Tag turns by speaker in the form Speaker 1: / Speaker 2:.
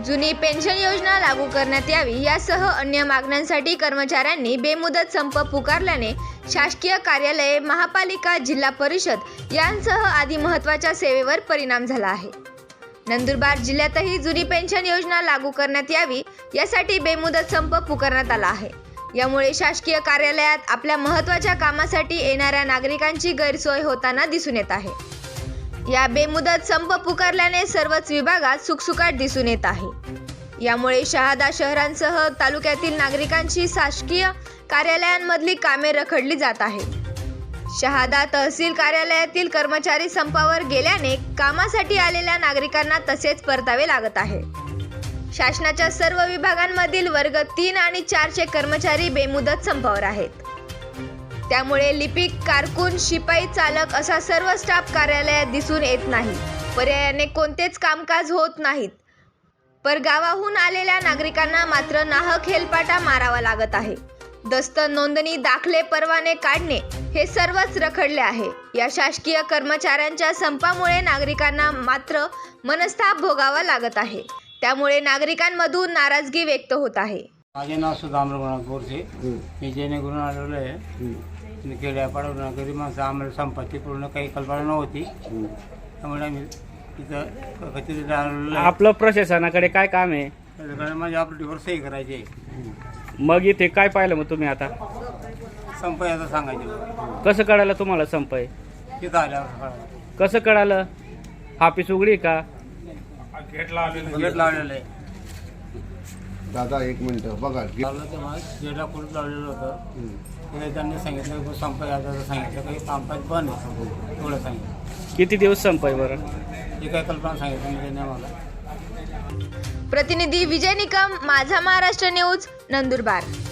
Speaker 1: जुनी पेन्शन योजना लागू करण्यात यावी यासह अन्य मागण्यांसाठी कर्मचाऱ्यांनी बेमुदत संप पुकारल्याने शासकीय कार्यालये, महापालिका, जिल्हा परिषद यांसह आदी महत्त्वाच्या सेवेवर परिणाम झाला आहे। नंदुरबार जिल्ह्यातही जुनी पेन्शन योजना लागू करण्यात यावी यासाठी बेमुदत संप पुकारण्यात आला आहे। यामुळे शासकीय कार्यालयात आपल्या महत्त्वाच्या कामासाठी येणाऱ्या नागरिकांची गैरसोय होताना दिसून येत आहे। या बेमुदत संप पुकारल्याने सर्वच विभागात सुकसुकाट दिसून येत आहे। यामुळे शहादा शहरांसह तालुक्यातील नागरिकांची शासकीय कार्यालयांमधली कामे रखडली जात आहेत। शहादा तहसील कार्यालयातील कर्मचारी संपावर गेल्याने कामासाठी आलेल्या नागरिकांना तसेच परतावे लागत आहे। शासनाच्या सर्व विभागांमधील वर्ग 3 आणि 4चे कर्मचारी बेमुदत संपावर आहेत। त्यामुळे लिपिक, कारकून, शिपाई, चालक असा सर्व स्टाफ कार्यालयात दिसून येत नाही। पर्यायाने कोणतेच कामकाज होत नाहीत। परगावाहून आलेल्या नागरिकांना मात्र नाहक हेलपाटा मारावा लागत आहे। दस्त, नोंदणी, दाखले, परवाने काढणे हे सर्वच रखडले आहे। या शासकीय कर्मचाऱ्यांच्या संपामुळे नागरिकांना मात्र मनस्ताप भोगावा लागत आहे। त्यामुळे नागरिकांमधून नाराजगी व्यक्त होत आहे।
Speaker 2: माझे नाव सुधामराव गोरसे, मी जेणेकरून आलेलो आहे खेड्यापाड्यावरून गरीब माणसं, आम्हाला संपत्ती पूर्ण काही कल्पना नव्हती, त्यामुळे आम्ही तिथं कचेरीत आलेलो आहे।
Speaker 3: आपलं प्रशासनाकडे काय काम आहे?
Speaker 2: त्याच्याकडे माझ्या ऑपरेटिव्हवर सही करायची आहे।
Speaker 3: मग इथे काय पाहिलं मग तुम्ही आता?
Speaker 2: संप याचं सांगायचं।
Speaker 3: कसं कळालं तुम्हाला संप आहे?
Speaker 2: तिथं आल्यावर कळालं।
Speaker 3: कसं कळालं? ऑफिस उघडी का?
Speaker 2: गेट लावलेलं आहे।
Speaker 4: दादा एक मिनिट बघा,
Speaker 2: तेव्हा गेटला कुलूप लावलेलं होतं। तिथे त्यांनी सांगितलं की संप याचं सांगितलं काही कामकाज बंद आहे, एवढं सांगितलं।
Speaker 3: किती दिवस संप आहे बरं?
Speaker 2: ही काही कल्पना सांगितलं मी त्यांनी आम्हाला।
Speaker 1: प्रतिनिधी विजय निकम, माझा महाराष्ट्र न्यूज, नंदुरबार।